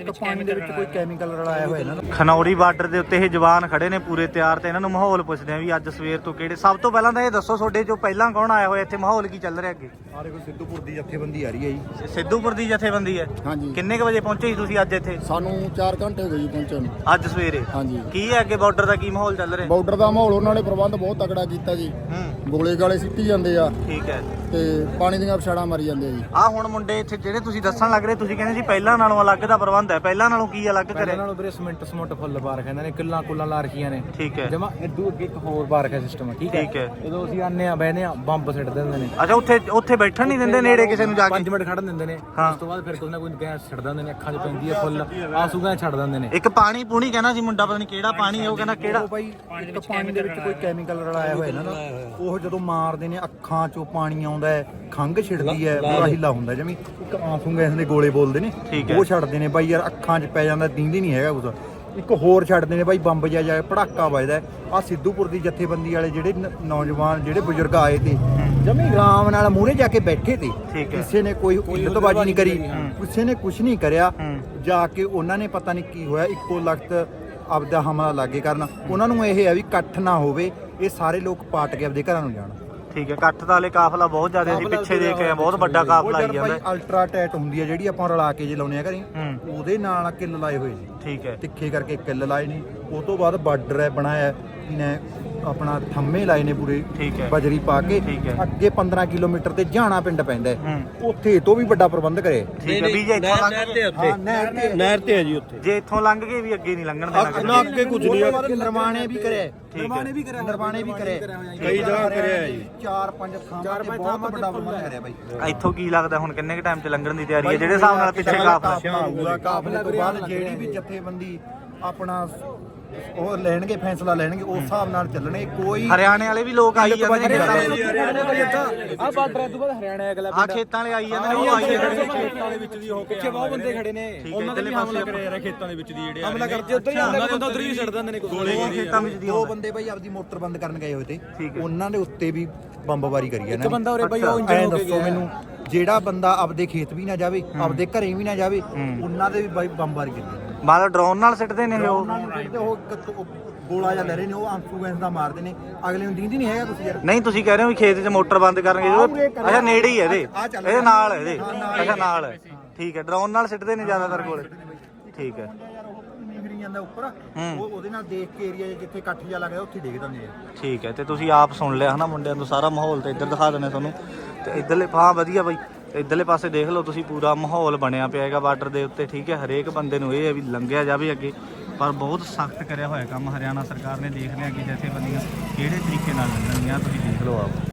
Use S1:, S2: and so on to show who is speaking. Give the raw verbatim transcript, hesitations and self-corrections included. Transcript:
S1: ਵਿੱਚ ਪਾਣੀ ਦੇ ਵਿੱਚ ਕੋਈ ਕੈਮੀਕਲ ਰਲਾਇਆ ਹੋਇਆ ਇਹਨਾਂ ਨੂੰ।
S2: ਖਨੌਰੀ ਬਾਰਡਰ ਦੇ ਉੱਤੇ ਇਹ ਜਵਾਨ ਖੜੇ ਨੇ ਪੂਰੇ ਤਿਆਰ ਤੇ ਇਹਨਾਂ ਨੂੰ ਮਾਹੌਲ ਪੁੱਛਦੇ ਆ ਵੀ ਅੱਜ ਸਵੇਰ ਤੋਂ ਕਿਹੜੇ। ਸਭ ਤੋਂ ਪਹਿਲਾਂ ਤਾਂ ਇਹ ਦੱਸੋ ਤੁਹਾਡੇ ਚੋਂ ਪਹਿਲਾਂ ਕੌਣ ਆਇਆ ਹੋਇਆ ਇੱਥੇ, ਮਾਹੌਲ ਕੀ ਚੱਲ ਰਿਹਾ ਅੱਗੇ?
S1: ਸਾਰੇ ਕੋਈ ਸਿੱਧੂਪੁਰ ਦੀ ਜਥੇਬੰਦੀ ਆ ਰਹੀ ਹੈ ਜੀ।
S2: ਸਿੱਧੂਪੁਰ ਦੀ ਜਥੇਬੰਦੀ ਹੈ।
S3: ਹਾਂਜੀ
S2: ਕਿੰਨੇ ਕ ਵਜੇ ਪਹੁੰਚੇ ਸੀ ਤੁਸੀਂ ਅੱਜ ਇੱਥੇ?
S3: ਸਾਨੂੰ ਚਾਰ ਘੰਟੇ ਹੋ ਗਏ ਜੀ ਪਹੁੰਚਣ ਨੂੰ।
S2: ਅੱਜ ਸਵੇਰੇ
S3: ਹਾਂਜੀ
S2: ਕੀ ਹੈ ਅੱਗੇ ਬਾਰਡਰ ਦਾ ਕੀ ਮਾਹੌਲ ਚੱਲ ਰਿਹਾ?
S3: ਬਾਰਡਰ ਦਾ ਮਾਹੌਲ ਉਹਨਾਂ ਨੇ ਪ੍ਰਬੰਧ ਬਹੁਤ ਤਕੜਾ ਕੀਤਾ ਜੀ।
S2: ਹੂੰ
S3: ਗੋਲੇ ਗਾਲੇ ਸਿੱਟੀ ਜਾਂਦੇ ਆ
S2: ਠੀਕ ਹੈ।
S3: ਤੇ ਪਾਣੀ ਦੀਆਂ ਛਾੜਾਂ ਮਾਰੀ ਜਾਂਦੇ ਆ ਜੀ।
S2: ਆ ਹੁਣ ਮੁੰਡੇ ਇੱਥੇ ਜਿਹੜੇ ਤੁਸੀਂ ਦੱਸਣ ਲੱਗ ਰਹੇ, ਤੁਸੀਂ ਕਹਿੰਦੇ ਸੀ ਪਹਿਲਾਂ ਨਾਲੋਂ ਅਲੱਗ ਦਾ ਪ੍ਰਬੰਧ ਹੈ, ਪਹਿਲਾਂ ਨਾਲੋਂ ਕੀ ਅਲੱਗ ਕਰਿਆ?
S4: ਇਹਨਾਂ ਨੂੰ ਵੀਰੇ ਸਮਿੰਟ ਸਮੁੰਟ ਫੁੱਲ ਪਾ ਰੱਖਿਆ ਇਹਨਾਂ ਨੇ, ਕਿੱਲਾਂ ਕੁੱਲਾਂ ਲਾ ਰੱਖੀਆਂ ਨੇ।
S2: ਠੀਕ ਹੈ।
S4: ਜਮਾ ਇਦੋਂ ਅੱਗੇ ਇੱਕ ਹੋਰ ਪਾ ਰੱਖਿਆ ਸਿਸਟਮ, ਠੀਕ ਹੈ।
S2: ਠੀਕ ਹੈ।
S4: ਜਦੋਂ ਅਸੀਂ ਆਨੇ ਆ ਬਹਿਨੇ ਆ ਬੰਬ ਸਿੱਟ ਦਿੰਦੇ ਨੇ।
S2: ਅੱਛਾ ਉੱਥੇ ਉੱਥੇ ਬੈਠਣ ਨਹੀਂ ਦਿੰਦੇ ਨੇੜੇ ਕਿਸੇ ਨੂੰ ਜਾ ਕੇ?
S4: ਪੰਜ ਮਿੰਟ ਖੜਨ ਦਿੰਦੇ ਨੇ,
S2: ਹਾਂ।
S4: ਉਸ ਤੋਂ ਬਾਅਦ ਫਿਰ ਕੋਈ ਨਾ ਕੋਈ ਗੈਸ ਛੱਡ ਦਿੰਦੇ ਨੇ, ਅੱਖਾਂ 'ਚ ਪੈਂਦੀ ਹੈ ਫੁੱਲ, ਆਂਸੂ ਗੈਸ ਛੱਡ ਦਿੰਦੇ ਨੇ।
S2: ਇੱਕ ਪਾਣੀ ਪੂਣੀ ਕਹਿੰਦਾ ਸੀ ਮੁੰਡਾ, ਪਤਾ ਨਹੀਂ ਕਿਹੜਾ ਪਾਣੀ ਹੈ ਉਹ, ਕਹਿੰਦਾ ਕਿਹੜਾ
S1: ਉਹ ਬਾਈ ਇੱਕ ਪਾਣੀ ਦੇ ਵਿੱਚ ਕੋਈ ਕੈਮੀਕਲ ਰਲਾਇਆ ਹੋਇਆ ਇਹਨਾਂ ਦਾ। ਉਹ ਜਦੋਂ ਮਾਰਦੇ ਨੇ ਅੱਖਾਂ ਚੋਂ ਪਾਣੀ ਆਉਂਦਾ ਹੈ, ਖੰਘ ਛਿੜਦੀ ਹੈ, ਪੂਰਾ ਹਿੱਲਾ ਹੁੰਦਾ ਜਿਵੇਂ ਇੱਕ ਆਂਸੂ ਗੈਸ ਦੇ ਗੋਲੇ ਬੋਲਦੇ ਨੇ, ਉਹ ਛੱਡਦੇ ਨੇ ਬਾਈ ਯਾਰ, ਅੱਖਾਂ 'ਚ ਪੈ ਜਾਂਦਾ, ਦੀਂਦੀ ਨਹੀਂ ਹੈਗਾ ਕੁਛ। ਇੱਕ ਹੋਰ ਛੱਡਦੇ ਨੇ ਬਾਈ ਬੰਬ ਜਿਹਾ ਜਾ ਪੜਾਕਾ ਵੱਜਦਾ। ਆ ਸਿੱਧੂਪੁਰ ਦੀ ਜਥੇਬੰਦੀ ਵਾਲੇ ਜਿਹੜੇ ਨੌਜਵਾਨ ਜਿਹੜੇ ਬਜ਼ੁਰਗ ਆਏ ਤੇ ਜਮੀ ਆਰਾਮ ਨਾਲ ਮੂਹਰੇ ਜਾ ਕੇ ਬੈਠੇ ਤੇ, ਕਿਸੇ ਨੇ ਕੋਈ ਇੱਜ਼ਤਬਾਜ਼ੀ ਨਹੀਂ ਕਰੀ, ਕਿਸੇ ਨੇ ਕੁਝ ਨਹੀਂ ਕਰਿਆ। ਜਾ ਕੇ ਉਹਨਾਂ ਨੇ ਪਤਾ ਨਹੀਂ ਕੀ ਹੋਇਆ, ਇੱਕੋ ਲਖਤ ਆਪਦਾ ਹਮਲਾ ਲਾਗੇ ਕਰਨ। ਉਹਨਾਂ ਨੂੰ ਇਹ ਹੈ ਵੀ ਇਕੱਠ ਨਾ ਹੋਵੇ, ਇਹ ਸਾਰੇ ਲੋਕ ਪਾਟ ਕੇ ਆਪਦੇ ਘਰਾਂ ਨੂੰ ਜਾਣ।
S2: ਠੀਕ ਹੈ। ਇਕੱਠ ਦਾ ਹਲੇ ਕਾਫਲਾ ਬਹੁਤ ਜ਼ਿਆਦਾ ਸੀ, ਪਿੱਛੇ ਦੇਖ ਕੇ ਬਹੁਤ ਵੱਡਾ ਕਾਫਲਾ ਆਈ ਜਾਂਦਾ।
S1: ਅਲਟਰਾ ਟੈਟ ਹੁੰਦੀ ਹੈ ਜਿਹੜੀ ਆਪਾਂ ਰਲਾ ਕੇ ਜੇ ਲਾਉਨੇ ਆ ਘਰੇ, ਉਹਦੇ ਨਾਲ ਕਿੱਲ ਲਾਏ ਹੋਏ ਜੀ।
S2: ਠੀਕ ਹੈ।
S1: ਤਿੱਖੇ ਕਰਕੇ ਕਿੱਲ ਲਾਏ ਨੇ। ਉਹ ਤੋਂ ਬਾਅਦ ਬਾਰਡਰ ਹੈ ਬਣਾਇਆ ਨੇ, ਆਪਣਾ ਥੰਮੇ ਲਾਏ ਨੇ ਪੂਰੇ ਬਜਰੀ ਪਾ ਕੇ। ਅੱਗੇ ਪੰਦਰਾਂ ਕਿਲੋਮੀਟਰ ਤੇ ਜਾਣਾ ਪਿੰਡ ਪੈਂਦਾ ਹੈ, ਉੱਥੇ ਇਹ ਤੋਂ ਵੀ ਵੱਡਾ ਪ੍ਰਬੰਧ ਕਰੇ।
S2: ਠੀਕ ਹੈ ਵੀ ਜੇ ਇੱਥੋਂ ਲੰਘ ਗਏ,
S1: ਹਾਂ ਨਹਿਰ ਤੇ
S5: ਨਹਿਰ ਤੇ ਹੈ ਜੀ ਉੱਥੇ।
S2: ਜੇ ਇੱਥੋਂ ਲੰਘ ਗਏ ਵੀ ਅੱਗੇ ਨਹੀਂ ਲੰਘਣ ਦੇਣਾ?
S5: ਨਾ ਅੱਗੇ ਕੁਝ ਨਹੀਂ।
S1: ਨਿਰਮਾਣੇ ਵੀ ਕਰੇ,
S4: ਨਿਰਮਾਣੇ ਵੀ ਕਰਿਆ,
S1: ਨਿਰਮਾਣੇ ਵੀ ਕਰੇ,
S5: ਕਈ ਜਗ੍ਹਾ ਕਰਿਆ ਹੈ ਜੀ।
S1: ਚਾਰ ਪੰਜ ਥਾਵਾਂ ਤੇ ਬਹੁਤ ਵੱਡਾ ਪ੍ਰਬੰਧ ਕਰਿਆ ਬਾਈ।
S2: ਇੱਥੋਂ ਕੀ ਲੱਗਦਾ ਹੁਣ ਕਿੰਨੇ ਕ ਟਾਈਮ 'ਚ ਲੰਘਣ ਦੀ ਤਿਆਰੀ ਹੈ ਜਿਹੜੇ ਹਿਸਾਬ ਨਾਲ ਪਿੱਛੇ ਕਾਫਲਾ
S1: ਹੋਊਗਾ? ਕਾਫਲੇ ਤੋਂ ਬਾਅਦ ਜਿਹੜੀ ਵੀ ਜਥੇਬੰਦੀ ਆਪਣਾ ਉਹ ਲੈਣਗੇ, ਫੈਸਲਾ ਲੈਣਗੇ, ਉਸ ਹਿਸਾਬ ਨਾਲ ਚੱਲਣੇ। ਕੋਈ
S2: ਹਰਿਆਣੇ ਵਾਲੇ ਵੀ ਲੋਕ ਆਈ ਜਾਂਦੇ ਨੇ,
S4: ਆ ਬਾਰਡਰ ਤੋਂ ਬਾਅਦ ਹਰਿਆਣਾ ਅਗਲਾ
S2: ਆ ਖੇਤਾਂ ਵਾਲੇ ਆਈ ਜਾਂਦੇ ਨੇ, ਉਹ ਆਈ ਜਾਂਦੇ ਨੇ
S4: ਖੇਤਾਂ ਦੇ ਵਿੱਚ ਦੀ ਹੋ ਕੇ ਪਿੱਛੇ ਬਹੁਤ ਬੰਦੇ ਖੜੇ ਨੇ,
S2: ਉਹਨਾਂ ਦੇ ਪਾਸੇ
S5: ਕਰਿਆ ਖੇਤਾਂ ਦੇ ਵਿੱਚ ਦੀ ਜਿਹੜੇ
S4: ਹਮਲਾ ਕਰਦੇ ਉੱਧਰ ਹੀ ਆਉਂਦਾ ਬੰਦਾ, ਉੱਧਰ ਹੀ ਛੱਡ ਦਿੰਦੇ ਨੇ ਗੋਲੇ।
S2: ਖੇਤਾਂ ਵਿੱਚ ਦੀ
S1: ਦੋ ਬੰਦੇ ਬਾਈ ਆਪਦੀ ਮੋਟਰ ਬੰਦ ਕਰਨ ਗਏ ਹੋਏ ਤੇ, ਉਹਨਾਂ ਦੇ ਉੱਤੇ ਵੀ ਬੰਬਬਾਰੀ ਕਰੀ ਹੈ ਨਾ।
S4: ਇੱਕ ਬੰਦਾ ਉਰੇ ਬਾਈ ਉਹ ਇੰਜਨ
S1: ਐਂ
S4: ਹੋ ਕੇ
S1: ਦੱਸੋ ਮੈਨੂੰ, ਜਿਹੜਾ ਬੰਦਾ ਆਪਦੇ ਖੇਤ ਵੀ ਨਾ ਜਾਵੇ, ਆਪਦੇ ਘਰੇ ਵੀ ਨਾ ਜਾਵੇ, ਉਹਨਾਂ ਦੇ ਵੀ ਬਾਈ ਬੰਬਬਾਰੀ ਕੀਤੀ।
S2: ਮਤਲਬ ਡਰੋਨ ਨਾਲ ਸਿੱਟਦੇ ਨੇ ਉਹ?
S1: ਉਹ ਗੋਲਾ ਜਾਂ ਲੈ ਰਹੇ ਨੇ, ਉਹ ਆਂਸੂ ਗੈਸ ਦਾ ਮਾਰਦੇ ਨੇ, ਅਗਲੇ ਨੂੰ ਦੀਂਦੀ ਨਹੀਂ ਹੈਗਾ ਕੁਛ ਯਾਰ।
S2: ਨਹੀਂ ਤੁਸੀਂ ਕਹਿ ਰਹੇ ਹੋ ਵੀ ਖੇਤ 'ਚ ਮੋਟਰ ਬੰਦ ਕਰਨਗੇ? ਅੱਛਾ ਨੇੜੇ ਹੀ ਹੈ ਇਹਦੇ, ਇਹਦੇ ਨਾਲ ਹੈ ਇਹਦੇ। ਅੱਛਾ ਨਾਲ ਹੈ, ਠੀਕ ਹੈ। ਡਰੋਨ ਨਾਲ ਸਿੱਟਦੇ ਨੇ ਜ਼ਿਆਦਾਤਰ ਗੋਲੇ, ਠੀਕ ਹੈ।
S1: ਜਾਂਦਾ ਉੱਪਰ, ਉਹ ਉਹਦੇ ਨਾਲ ਦੇਖ ਕੇ ਏਰੀਆ ਜਿੱਥੇ ਇਕੱਠ ਜਾ ਲੱਗਦਾ ਉੱਥੇ ਡਿੱਗ ਦਿੰਦੇ ਆ।
S2: ਠੀਕ ਹੈ। ਤੇ ਤੁਸੀਂ ਆਪ ਸੁਣ ਲਿਆ ਹਨਾ ਮੁੰਡਿਆਂ ਤੋਂ ਸਾਰਾ ਮਾਹੌਲ, ਤੇ ਇੱਧਰ ਦਿਖਾ ਦਿੰਦੇ ਤੁਹਾਨੂੰ। ਤੇ ਇੱਧਰਲੇ ਹਾਂ ਵਧੀਆ ਬਾਈ, ਇੱਧਰਲੇ ਪਾਸੇ ਦੇਖ ਲਓ ਤੁਸੀਂ, ਪੂਰਾ ਮਾਹੌਲ ਬਣਿਆ ਪਿਆ ਹੈਗਾ ਬਾਰਡਰ ਦੇ ਉੱਤੇ। ਠੀਕ ਹੈ। ਹਰੇਕ ਬੰਦੇ ਨੂੰ ਇਹ ਹੈ ਵੀ ਲੰਘਿਆ ਜਾਵੇ ਅੱਗੇ, ਪਰ ਬਹੁਤ ਸਖਤ ਕਰਿਆ ਹੋਇਆ ਕੰਮ ਹਰਿਆਣਾ ਸਰਕਾਰ ਨੇ। ਦੇਖ ਲਿਆ ਕਿ ਜਥੇਬੰਦੀਆਂ ਕਿਹੜੇ ਤਰੀਕੇ ਨਾਲ ਲੰਘਣਗੀਆਂ, ਤੁਸੀਂ ਦੇਖ ਲਓ ਆਪ।